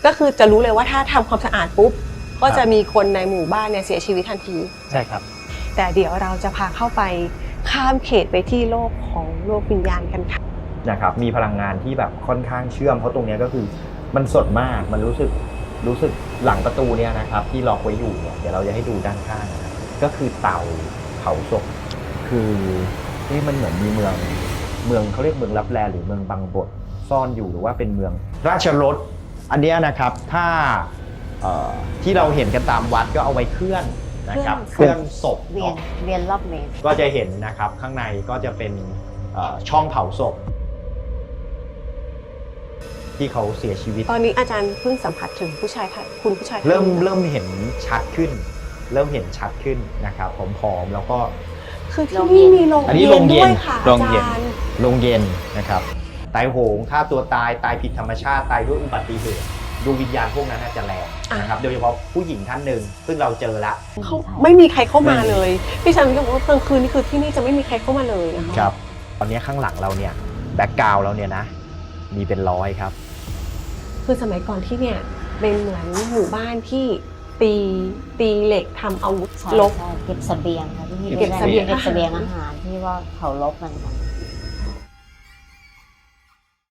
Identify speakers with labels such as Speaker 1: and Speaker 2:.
Speaker 1: ก็คือจะรู้เลยว่าถ้าทำความสะอาดปุ๊บก็จะมีคนในหมู่บ้านเนี่ยเสียชีวิตทันที
Speaker 2: ใช่ครับ
Speaker 1: แต่เดี๋ยวเราจะพาเข้าไปข้ามเขตไปที่โลกของโลกวิญญาณกันค่ะ
Speaker 3: นะครับมีพลังงานที่แบบค่อนข้างเชื่อมเพราะตรงนี้ก็คือมันสดมากมันรู้สึกหลังประตูเนี่ยนะครับที่ล็อกไว้อยู่เนี่ยเดี๋ยวเราจะให้ดูด้านข้างนะครับก็คือเตาเผาศพคือที่มันเหมือนมีเมืองเขาเรียกเมืองลับแลหรือเมืองบางบทซ่อนอยู่หรือว่าเป็นเมืองราชรถอันเนี้ยนะครับถ้าที่เราเห็นกันตามวัดก็เอาไว้เคลื่อนนะครับเคลื่อนศพ
Speaker 4: เวียนรอบเมตร
Speaker 3: ก็จะเห็นนะครับข้างในก็จะเป็นช่องเผาศพที่เขาเสียชีวิต
Speaker 1: ตอนนี้อาจารย์เพิ่งสัมผัสถึงผู้ชายคุณผู้ชาย
Speaker 3: เริ่มเห็นชัดขึ้นนะครับผอมๆแล้วก็
Speaker 1: คือที่นี่มีโรง
Speaker 3: อันนี้
Speaker 1: เย็
Speaker 3: โร
Speaker 1: น
Speaker 3: งเย็น
Speaker 1: ด้วยค่ะ
Speaker 3: โรงเย็น
Speaker 1: อาจารย์
Speaker 3: โรงเย็นนะครับตายโหงฆ่าตัวตายผิดธรรมชาติตายด้วยอุบัติเหตุดูวิญญาณพวกนั้นน่าจะแรงนะครับโดยเฉพาะผู้หญิงท่านหนึ่งซึ่งเราเจอละ
Speaker 1: เขาไม่มีใครเข้ามาเลยพี่ชันก็บอกว่ากลางคืนนี่คือที่นี่จะไม่มีใครเข้ามาเลยนะคะ
Speaker 3: ครับตอนนี้ข้างหลังเราเนี่ยแบ็กกราวด์เราเนี่ยนะมีเป็นร้อยครับ
Speaker 1: คือสมัยก่อนที่เนี่ยเป็นเหมือนหมู่บ้านที่ตีเหล็กทำอาวุธ
Speaker 4: ใช่
Speaker 1: รบ
Speaker 4: ใช่เก็บเสบียงค่ะที่นี่
Speaker 1: เก็บเสบียง
Speaker 4: เก็บเสบียงอาหารที่ว่าเขารบกันค่ะ